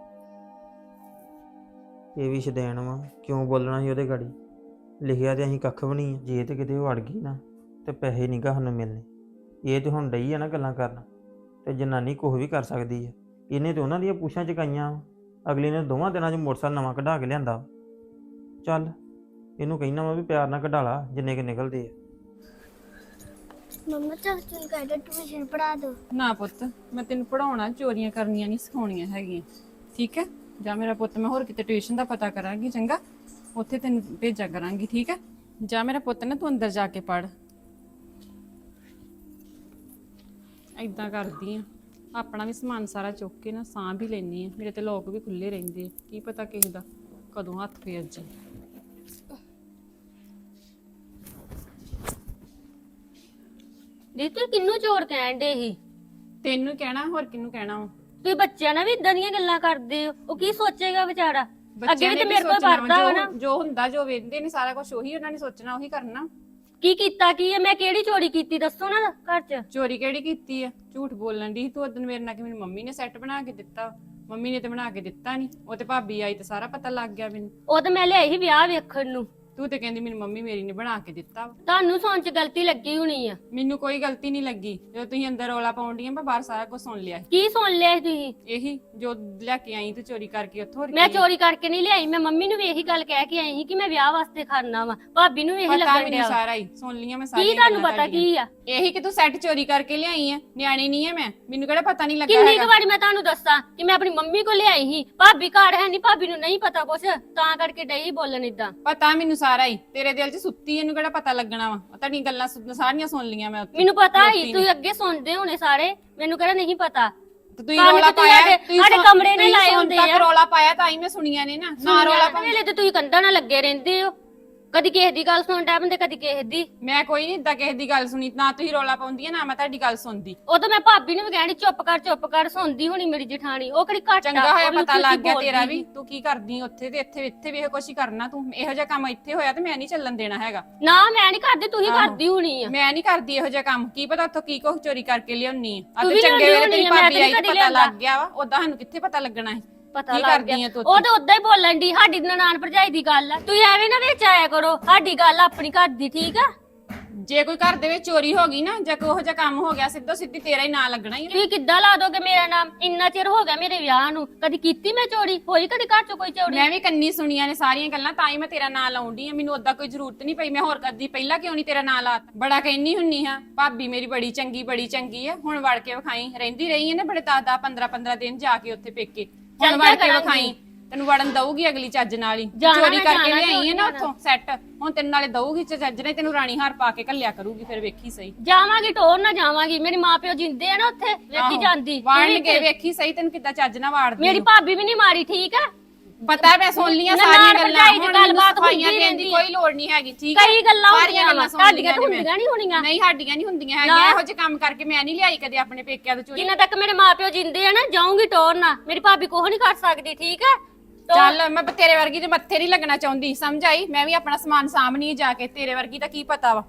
G: ਇਹ ਵੀ ਛਦੈਣ ਵਾ। ਕਿਉਂ ਬੋਲਣਾ ਸੀ ਉਹਦੇ ਗਾੜੀ? ਲਿਖਿਆ ਤੇ ਅਸੀਂ ਕੱਖ ਵੀ ਨਹੀਂ ਆ। ਜੇ ਤੇ ਕਿਤੇ ਉਹ ਅੜ ਗਈ ਨਾ ਤੇ ਪੈਸੇ ਨਹੀਂ ਗਾ ਸਾਨੂੰ ਮਿਲਣੇ। ਇਹ ਤੇ ਹੁਣ ਡਈ ਆ ਨਾ ਗੱਲਾਂ ਕਰਨ, ਤੇ ਜਨਾਨੀ ਕੁਛ ਵੀ ਕਰ ਸਕਦੀ ਆ। ਇਹਨੇ ਤੇ ਉਹਨਾਂ ਦੀਆਂ ਪੁੱਛਾਂ ਚਕਾਈਆਂ ਵਾ। ਅਗਲੀ ਨੇ ਦੋਵਾਂ ਦਿਨਾਂ 'ਚ ਮੋਟਰਸਾਈਕਲ ਨਵਾਂ ਕਢਾ ਕੇ ਲਿਆਂਦਾ। ਚੱਲ ਇਹਨੂੰ ਕਹਿਣਾ ਵਾ ਵੀ ਪਿਆਰ ਨਾਲ ਕਢਾ ਲਾ ਜਿੰਨੇ ਕਿ ਨਿਕਲਦੇ ਆ।
C: ਮੰਮਾ ਚਾਚੂ ਨੂੰ ਕਹਿੰਦਾ ਟਿਊਸ਼ਨ ਪੜਾ ਦੋ।
D: ਨਾ ਪੁੱਤ, ਮੈਂ ਤੈਨੂੰ ਪੜਾਉਣਾ, ਚੋਰੀਆਂ ਕਰਨੀਆਂ ਨਹੀਂ ਸਿਖਾਉਣੀਆਂ ਹੈਗੀਆਂ, ਠੀਕ ਹੈ? ਜਾਂ ਮੇਰਾ ਪੁੱਤ, ਮੈਂ ਹੋਰ ਕਿਤੇ ਟਿਊਸ਼ਨ ਦਾ ਪਤਾ ਕਰਾਂਗੀ, ਚੰਗਾ? ਉੱਥੇ ਤੈਨੂੰ ਭੇਜਿਆ ਕਰਾਂਗੀ, ਠੀਕ ਹੈ? ਜਾਂ ਮੇਰਾ ਪੁੱਤ ਨਾ ਤੂੰ ਅੰਦਰ ਜਾ ਕੇ ਪੜ। ਏਦਾਂ ਕਰਦੀ ਆ, ਆਪਣਾ ਵੀ ਸਮਾਨ ਸਾਰਾ ਚੁੱਕ ਕੇ ਨਾ ਸਾਂਭ ਹੀ ਲੈਣੀ ਆ। ਮੇਰੇ ਤੇ ਲੋਕ ਵੀ ਖੁੱਲੇ ਰਹਿੰਦੇ ਆ, ਕੀ ਪਤਾ ਕਿਸੇ ਦਾ ਕਦੋਂ ਹੱਥ ਫੇਰ ਜੇ।
H: ਦੀ ਤੂੰ ਕਿੰਨੂੰ ਚੋਰ ਕਹਿਣ ਦੇ ਸੀ?
D: ਤੈਨੂੰ ਕਹਿਣਾ, ਹੋਰ ਕਿਹਨੂੰ ਕਹਿਣਾ ਵਾ?
H: ਤੁਸੀਂ ਬੱਚਿਆਂ ਨਾਲ ਵੀ ਇਦਾਂ ਦੀਆਂ ਗੱਲਾਂ ਕਰਦੇ ਹੋ, ਉਹ ਕੀ ਸੋਚੇਗਾ ਵਿਚਾਰਾ? ਅੱਗੇ
D: ਬੱਚਿਆਂ
H: ਵੀ
D: ਨੇ
H: ਤੇ ਮੇਰੇ ਕੋਲ
D: ਸੋਚਣਾ
H: ਵਰਤਾ ਵਾ ਨਾ।
D: ਜੋ ਹੁੰਦਾ, ਜੋ ਵੇਖਦੇ ਨੇ ਸਾਰਾ ਕੁਝ ਉਹੀ ਉਹਨਾਂ ਨੇ ਸੋਚਣਾ, ਉਹੀ ਕਰਨਾ।
H: ਕੀ ਕੀਤਾ ਕੀ ਹੈ? ਮੈਂ ਕਿਹੜੀ ਚੋਰੀ ਕੀਤੀ ਦੱਸੋ ਨਾ ਘਰ 'ਚ।
D: ਚੋਰੀ ਕਿਹੜੀ ਕੀਤੀ ਆ? ਝੂਠ ਬੋਲਣ ਦੀ ਤੂੰ ਉਦੋਂ ਮੇਰੇ ਨਾਲ ਕਿ ਮੇਰੀ ਮੰਮੀ ਨੇ ਸੈੱਟ ਬਣਾ ਕੇ ਦਿੱਤਾ। ਮੰਮੀ ਨੇ ਤੇ ਬਣਾ ਕੇ ਦਿੱਤਾ ਨਹੀਂ, ਉਹ ਤੇ ਭਾਬੀ ਆਈ ਤੇ ਸਾਰਾ ਪਤਾ ਲੱਗ ਗਿਆ ਮੈਨੂੰ।
H: ਉਹ ਤਾਂ ਮੈਂ ਲਿਆਈ ਸੀ ਵਿਆਹ ਵੇਖਣ ਨੂੰ।
D: ਤੂੰ ਤੇ ਕਹਿੰਦੀ ਮੇਰੀ ਮੰਮੀ ਮੇਰੀ ਨੇ ਬਣਾ ਕੇ ਦਿੱਤਾ ਵਾ।
H: ਤੁਹਾਨੂੰ ਸੌਣ 'ਚ ਗਲਤੀ ਲੱਗੀ ਹੋਣੀ ਆ।
D: ਮੈਨੂੰ ਕੋਈ ਗਲਤੀ ਨਹੀਂ ਲੱਗੀ। ਜਦੋਂ ਤੁਸੀਂ ਅੰਦਰ ਰੌਲਾ ਪਾਉਂਦੀਆਂ, ਮੈਂ ਬਾਹਰ ਸਾਰਾ ਕੁਝ ਸੁਣ ਲਿਆ।
H: ਕੀ ਸੁਣ ਲਿਆ ਸੀ ਤੁਸੀਂ?
D: ਇਹੀ ਜੋ ਲੈ ਕੇ ਆਈ ਤੂੰ ਚੋਰੀ ਕਰਕੇ ਉੱਥੋਂ। ਹੋਰ
H: ਮੈਂ
D: ਕੀ?
H: ਚੋਰੀ ਕਰਕੇ ਨਹੀਂ ਲਿਆਈ, ਮੈਂ ਮੰਮੀ ਨੂੰ ਵੀ ਇਹੀ ਗੱਲ ਕਹਿ ਕੇ ਆਈ ਸੀ ਕਿ ਮੈਂ ਵਿਆਹ ਵਾਸਤੇ ਖੜਨਾ ਵਾ। ਭਾਬੀ ਨੂੰ ਵੀ ਇਹੀ
D: ਪਤਾ
H: ਲੱਗਣ
D: ਮੈਨੂੰ
H: ਡਿਆ ਵਾ।
D: ਸਾਰਾ ਹੀ ਸੁਣ ਲਿਆ ਮੈਂ
H: ਕੀ
D: ਸਾਰੀਆਂ
H: ਤੁਹਾਨੂੰ
D: ਗੱਲਾਂ
H: ਪਤਾ ਕੀ ਆ?
D: ਇਹੀ ਕਿ ਤੂੰ ਸੈੱਟ ਚੋਰੀ ਕਰਕੇ ਲਿਆਈ ਆ। ਨਿਆਣੀ ਨਹੀਂ ਆ ਮੈਂ, ਮੈਨੂੰ ਕਿਹੜਾ ਪਤਾ ਨਹੀਂ ਲੱਗਾ
H: ਕਿੰਨੀ ਕੁ
D: ਹੈਗਾ।
H: ਵਾਰੀ ਮੈਂ ਤੁਹਾਨੂੰ ਦੱਸਾਂ ਕਿ ਮੈਂ ਆਪਣੀ ਮੰਮੀ ਕੋਲ ਲਿਆਈ ਸੀ। ਭਾਬੀ ਘਰ ਹੈ ਨਹੀਂ, ਭਾਬੀ ਨੂੰ ਨਹੀਂ ਪਤਾ ਕੁਛ, ਤਾਂ ਕਰਕੇ ਡਈ ਬੋਲਣ ਇਦਾਂ।
D: ਪਤਾ ਮੈਨੂੰ ਸਾਰਾ ਹੀ, ਤੇਰੇ ਦਿਲ 'ਚ ਸੁੱਤੀ, ਇਹਨੂੰ ਕਿਹੜਾ ਪਤਾ ਲੱਗਣਾ ਵਾ? ਤੁਹਾਡੀਆਂ ਗੱਲਾਂ ਸਾਰੀਆਂ ਸੁਣ ਲੀਆਂ ਮੈਂ ਉੱਥੇ।
H: ਮੈਨੂੰ ਪਤਾ ਹੀ,
D: ਲੋਕੀ ਨੇ।
H: ਤੁਸੀਂ ਅੱਗੇ ਸੁਣਦੇ ਹੋਣੇ ਸਾਰੇ, ਮੈਨੂੰ ਕਿਹੜਾ ਨਹੀਂ ਪਤਾ।
D: ਤੇ ਤੁਸੀਂ
H: ਤੁਹਾਨੂੰ
D: ਰੌਲਾ
H: ਤੇ ਤੁਸੀਂ
D: ਪਾਇਆ,
H: ਸਾਡੇ- ਸਾਡੇ ਕਮਰੇ ਨੇ ਲਾਏ ਹੁੰਦੇ ਆ।
D: ਰੌਲਾ ਪਾਇਆ ਤਾਂ ਹੀ ਮੈਂ ਸੁਣੀਆਂ ਨੇ ਨਾ। ਨਾ ਰੌਲਾ ਪਾ।
H: ਵੇਲੇ ਤੇ ਤੁਸੀਂ ਕੰਧਾਂ ਨਾਲ ਲੱਗੇ ਰਹਿੰਦੇ ਹੋ, ਕਦੀ ਕਿਸੇ ਦੀ ਗੱਲ ਸੁਣ ਡੈ ਬੰਦੇ, ਕਦੀ ਕਿਸੇ ਦੀ।
D: ਮੈਂ ਕੋਈ ਨਹੀਂ ਇਦਾਂ ਕਿਸੇ ਦੀ ਗੱਲ ਸੁਣੀ, ਨਾ ਤੁਸੀਂ ਰੌਲਾ ਪਾਉਂਦੀ ਆ, ਨਾ ਮੈਂ ਤੁਹਾਡੀ ਗੱਲ ਸੁਣਦੀ।
H: ਉਹ ਤਾਂ ਮੈਂ ਭਾਬੀ ਨੂੰ ਵੀ ਕਹਿਣੀ ਚੁੱਪ ਕਰ, ਸੁਣਦੀ ਹੋਣੀ ਮੇਰੀ ਜਠਾਣੀ। ਉਹ ਕਿਹੜੀ ਘੱਟ ਆ,
D: ਚੰਗਾ ਹੋਇਆ
H: ਉਹ ਵੀ
D: ਪਤਾ
H: ਉੱਚੀ
D: ਲੱਗ ਗਿਆ
H: ਬੋਲਦੀ
D: ਤੇਰਾ
H: ਸੀ।
D: ਵੀ, ਤੂੰ ਕੀ ਕਰਦੀ ਉੱਥੇ ਤੇ ਇੱਥੇ ਵੀ ਇਹੋ ਕੁਛ ਹੀ ਕਰਨਾ ਤੂੰ। ਇਹੋ ਜਿਹਾ ਕੰਮ ਇੱਥੇ ਹੋਇਆ ਤੇ ਮੈਂ ਨਹੀਂ ਚੱਲਣ ਦੇਣਾ ਹੈਗਾ।
H: ਨਾ ਮੈਂ ਨਹੀਂ ਕਰਦੀ, ਤੁਸੀਂ
D: ਆਹੋ।
H: ਕਰਦੀ ਹੋਣੀ ਆ।
D: ਮੈਂ ਨਹੀਂ ਕਰਦੀ ਇਹੋ ਜਿਹਾ ਕੰਮ। ਕੀ ਪਤਾ ਉੱਥੋਂ ਕੀ ਕੁਛ ਚੋਰੀ ਕਰਕੇ ਲਿਆਉਣੀ ਆ।
H: ਤੂੰ
D: ਤੇ
H: ਵੀ
D: ਚੰਗੇ
H: ਲਿਆਉਂਦੀ
D: ਵੇਲੇ ਤੇਰੀ
H: ਹੋਣੀ ਆ, ਮੈਂ
D: ਭਾਬੀ
H: ਤਾਂ
D: ਆਈ ਤੇ
H: ਕਦੀ
D: ਪਤਾ
H: ਲਿਆਂਦਾ।
D: ਲੱਗ ਗਿਆ ਵਾ, ਉਦਾਂ ਸਾਨੂੰ ਕਿੱਥੇ ਪਤਾ ਲੱਗਣਾ ਹੈ।
H: ਪਤਾ
D: ਕੀ
H: ਲੱਗ
D: ਕਰਦੀ
H: ਗਿਆ
D: ਆ ਤੂੰ
H: ਉਹ ਤਾਂ ਉਦਾਂ ਹੀ ਬੋਲਣ ਦੀ ਸਾਡੀ ਨਨਾਣ ਭਰਜਾਈ ਦੀ ਗੱਲ ਆ ਤੁਸੀਂ ਐਵੇਂ ਨਾ ਵਿੱਚ ਆਇਆ ਕਰੋ ਸਾਡੀ ਗੱਲ ਆਪਣੀ ਘਰ ਦੀ ਠੀਕ ਆ
D: ਜੇ ਕੋਈ ਘਰ ਦੇ ਵਿੱਚ ਚੋਰੀ ਹੋ ਗਈ ਨਾ ਜਾਂ ਕੋਈ ਉਹੋ ਜਿਹਾ ਕੰਮ ਹੋ ਗਿਆ ਸਿੱਧੋ ਸਿੱਧੀ ਤੇਰਾ ਹੀ ਨਾਂ ਲੱਗਣਾ ਹੀ ਆ।
H: ਤੁਸੀਂ ਕਿੱਦਾਂ ਲਾ ਦੋਗੇ ਮੇਰਾ ਨਾਮ ਇੰਨਾ ਚਿਰ ਹੋ ਗਿਆ ਮੇਰੇ ਵਿਆਹ ਨੂੰ ਕਦੀ ਕੀਤੀ ਮੈਂ ਚੋਰੀ ਹੋਈ ਕਦੀ ਘਰ ਚੋਂ ਕੋਈ ਚੋਰੀ
D: ਮੈਂ ਵੀ ਕੰਨੀ ਸੁਣੀਆਂ ਨੇ ਸਾਰੀਆਂ ਗੱਲਾਂ ਤਾਂ ਹੀ ਮੈਂ ਤੇਰਾ ਨਾਂ ਲਾਉਂਦੀ ਆ ਮੈਨੂੰ ਓਦਾਂ ਕੋਈ ਜ਼ਰੂਰਤ ਨਹੀਂ ਪਈ ਮੈਂ ਹੋਰ ਕਦੀ ਪਹਿਲਾਂ ਕਿਉਂ ਨਹੀਂ ਤੇਰਾ ਨਾਂ ਲਾਤਾ ਬੜਾ ਕਹਿੰਨੀ ਹੁੰਨੀ ਹਾਂ ਭਾਬੀ ਮੇਰੀ ਬੜੀ ਚੰਗੀ ਹੈ ਹੁਣ ਵੜ ਕੇ ਵਿਖਾਈ ਰਹਿੰਦੀ ਰਹੀ ਹੈ ਨਾ ਬੜੇ 10 15 ਦਿਨ ਜਾ ਕੇ ਉੱਥੇ ਪੇਕੇ ਹੁਣ
H: ਚੱਲ
D: ਵੜ
H: ਜਾ
D: ਕੇ
H: ਕਰਾਂਗੀ।
D: ਵਿਖਾਈ ਤੈਨੂੰ ਵੜਨ ਦਊਗੀ ਅਗਲੀ ਚੱਜ ਨਾਲ ਹੀ
H: ਜਾਣਾ
D: ਚੋਰੀ
H: ਮੈਂ
D: ਕਰਕੇ
H: ਜਾਣਾ
D: ਲਿਆਈ ਹੈ ਨਾ
H: ਕਿਉਂ
D: ਉੱਥੋਂ ਸੈੱਟ ਹੁਣ ਤੈਨੂੰ ਨਾਲੇ ਦਊਗੀ ਚੱਜ ਨੇ ਤੈਨੂੰ ਰਾਣੀ ਹਾਰ ਪਾ ਕੇ ਘੱਲਿਆ ਕਰੂਗੀ ਫਿਰ ਵੇਖੀ ਸਹੀ
H: ਜਾਵਾਂਗੀ ਟੋਰ ਨਾ ਜਾਵਾਂਗੀ ਮੇਰੇ ਮਾਪਿਓ ਜਿੰਦੇ ਆ ਨਾ ਉੱਥੇ ਵੇਖੀ
D: ਆਹੋ,
H: ਜਾਂਦੀ
D: ਵਾੜਨਗੇ ਵੇਖੀ ਸਹੀ ਤੈਨੂੰ ਕਿੱਦਾਂ ਚੱਜ ਨਾਲ ਵਾੜਦੀ
H: ਮੇਰੀ ਭਾਬੀ ਵੀ ਨਹੀਂ ਮਾਰੀ ਠੀਕ ਆ
D: ਪਤਾ ਮੈਂ ਸੁਣ ਲੀਆਂ
H: ਨਨਾਣ
D: ਸਾਰੀਆਂ ਗੱਲਾਂ
H: ਭਰਜਾਈ ਦੀ
D: ਹੁਣ
H: ਗੱਲਬਾਤ
D: ਸਫਾਈਆਂ
H: ਹੁੰਦੀ
D: ਦੇਣ ਦੀ
H: ਰਹਿੰਦੀ
D: ਕੋਈ ਲੋੜ ਨਹੀਂ ਹੈਗੀ ਠੀਕ ਹੈ
H: ਕਈ ਗੱਲਾਂ
D: ਸਾਰੀਆਂ
H: ਹੁੰਦੀਆਂ ਵਾ
D: ਸੁਣ
H: ਤੁਹਾਡੀਆਂ ਤਾਂ
D: ਲਈਆਂ ਨੇ
H: ਹੁੰਦੀਆਂ ਨਹੀਂ ਹੋਣੀਆਂ
D: ਨਹੀਂ ਸਾਡੀਆਂ ਨਹੀਂ ਹੁੰਦੀਆਂ
H: ਨਾ।
D: ਹੈਗੀਆਂ ਇਹੋ ਜਿਹੇ ਕੰਮ ਕਰਕੇ ਮੈਂ ਨਹੀਂ ਲਿਆਈ ਕਦੇ ਆਪਣੇ ਪੇਕਿਆਂ ਤੋਂ ਚੋਰੀ
H: ਜਿੰਨਾ ਤੱਕ ਮੇਰੇ ਮਾਪਿਓ ਜਿੰਦੇ ਆ ਨਾ ਜਾਊਂਗੀ ਟੋਰ ਨਾ ਮੇਰੀ ਭਾਬੀ ਕੋਹ ਨਹੀਂ ਕਰ ਸਕਦੀ ਠੀਕ ਆ
D: ਚੱਲ ਮੈਂ ਤੇਰੇ ਵਰਗੀ ਦੇ ਮੱਥੇ ਨਹੀਂ ਲੱਗਣਾ ਚਾਹੁੰਦੀ ਸਮਝ ਆਈ ਮੈਂ ਵੀ ਆਪਣਾ ਸਮਾਨ ਸਾਂਭਣੀ ਜਾ ਕੇ ਤੇਰੇ ਵਰਗੀ ਤਾਂ ਕੀ ਪਤਾ ਵਾ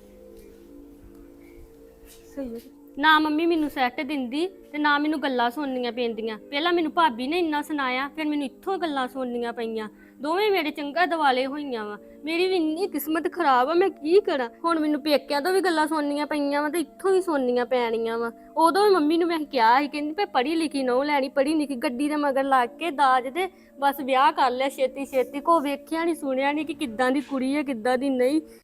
H: ਨਾ ਮੰਮੀ ਮੈਨੂੰ ਸੈੱਟ ਦਿੰਦੀ ਤੇ ਨਾ ਮੈਨੂੰ ਗੱਲਾਂ ਸੁਣਨੀਆਂ ਪੈਂਦੀਆਂ ਪਹਿਲਾਂ ਮੈਨੂੰ ਭਾਬੀ ਨੇ ਇੰਨਾ ਸੁਣਾਇਆ ਫਿਰ ਮੈਨੂੰ ਇੱਥੋਂ ਗੱਲਾਂ ਸੁਣਨੀਆਂ ਪਈਆਂ ਦੋਵੇਂ ਮੇਰੇ ਚੰਗਾ ਦਿਵਾਲੇ ਹੋਈਆਂ ਵਾ ਮੇਰੀ ਵੀ ਇੰਨੀ ਕਿਸਮਤ ਖਰਾਬ ਆ ਮੈਂ ਕੀ ਕਰਾਂ ਹੁਣ ਮੈਨੂੰ ਪੇਕਿਆਂ ਤੋਂ ਵੀ ਗੱਲਾਂ ਸੁਣਨੀਆਂ ਪਈਆਂ ਵਾ ਤੇ ਇੱਥੋਂ ਵੀ ਸੁਣਨੀਆਂ ਪੈਣੀਆਂ ਵਾ ਉਦੋਂ ਵੀ ਮੰਮੀ ਨੂੰ ਮੈਂ ਕਿਹਾ ਸੀ ਕਹਿੰਦੀ ਪਈ ਪੜ੍ਹੀ ਲਿਖੀ ਨਹੁੰ ਲੈਣੀ ਪੜ੍ਹੀ ਲਿਖੀ ਗੱਡੀ ਦੇ ਮਗਰ ਲੱਗ ਕੇ ਦਾਜ ਦੇ ਬਸ ਵਿਆਹ ਕਰ ਲਿਆ ਛੇਤੀ ਛੇਤੀ ਕੋ ਵੇਖਿਆ ਨਹੀਂ ਸੁਣਿਆ ਨਹੀਂ ਕਿ ਕਿੱਦਾਂ ਦੀ ਕੁੜੀ ਹੈ ਕਿੱਦਾਂ ਦੀ ਨਹੀਂ